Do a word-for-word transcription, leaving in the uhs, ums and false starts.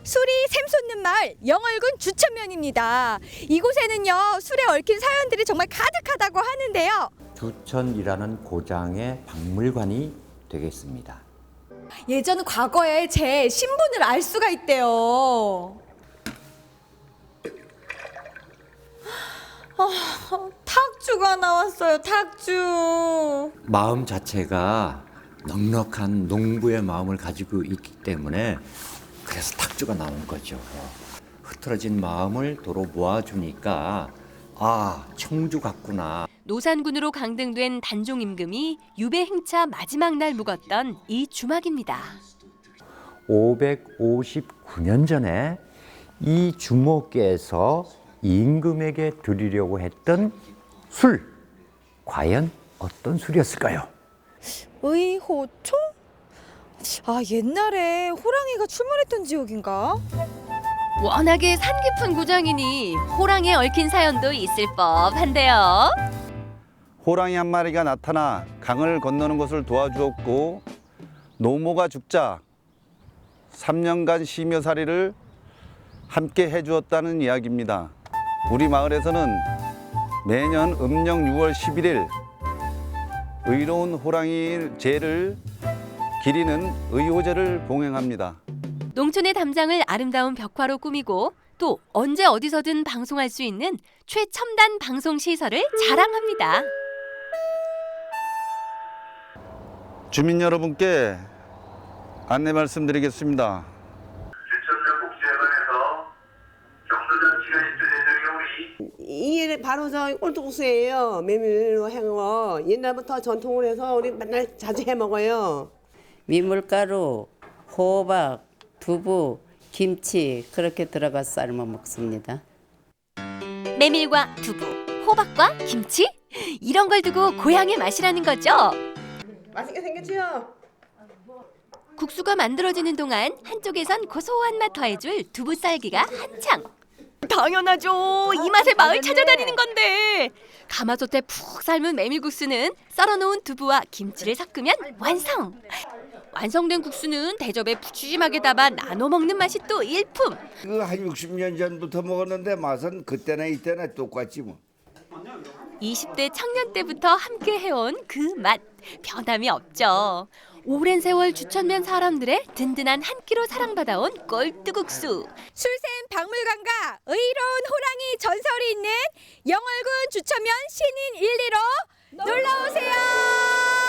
술이 샘솟는 마을 영월군 주천면입니다. 이곳에는요 술에 얽힌 사연들이 정말 가득하다고 하는데요. 주천이라는 고장의 박물관이 되겠습니다. 예전 과거에 제 신분을 알 수가 있대요. 아, 탁주가 나왔어요. 탁주. 마음 자체가 넉넉한 농부의 마음을 가지고 있기 때문에 그래서 탁주가 나온 거죠. 흐트러진 마음을 도로 모아주니까 아, 청주 같구나. 노산군으로 강등된 단종 임금이 유배 행차 마지막 날 묵었던 이 주막입니다. 오백오십구 년 전에 이 주모께서 임금에게 드리려고 했던 술, 과연 어떤 술이었을까요? 의호초? 아, 옛날에 호랑이가 출몰했던 지역인가? 워낙에 산 깊은 고장이니 호랑이에 얽힌 사연도 있을 법한데요. 호랑이 한 마리가 나타나 강을 건너는 것을 도와주었고 노모가 죽자 삼 년간 시며살이를 함께 해주었다는 이야기입니다. 우리 마을에서는 매년 음력 유월 십일일 의로운 호랑이 제를 기리는 의호제를 봉행합니다. 농촌의 담장을 아름다운 벽화로 꾸미고 또 언제 어디서든 방송할 수 있는 최첨단 방송 시설을 자랑합니다. 주민 여러분께 안내 말씀드리겠습니다. 주천면 복지회관에서 경로잔치가 입주된 이게 바로 저 꼴뚜국수예요. 메밀로 해거 옛날부터 전통을 해서 우리 맨날 자주 해 먹어요. 민물가루, 호박, 두부, 김치 그렇게 들어가 삶아 먹습니다. 메밀과 두부, 호박과 김치? 이런 걸 두고 고향의 맛이라는 거죠. 맛있게 생겼지요? 국수가 만들어지는 동안 한쪽에선 고소한 맛 더해줄 두부 쌀기가 한창. 당연하죠. 이 맛에 마을 찾아다니는 건데. 가마솥에 푹 삶은 메밀국수는 썰어놓은 두부와 김치를 섞으면 완성. 완성된 국수는 대접에 푸짐하게 담아 나눠 먹는 맛이 또 일품. 그 한 육십 년 전부터 먹었는데 맛은 그때나 이때나 똑같지 뭐. 이십 대 청년 때부터 함께 해온 그 맛, 변함이 없죠. 오랜 세월 주천면 사람들의 든든한 한 끼로 사랑받아온 꼴뚜국수. 술샘 박물관과 의로운 호랑이 전설이 있는 영월군 주천면 신인 일, 이로 놀러오세요.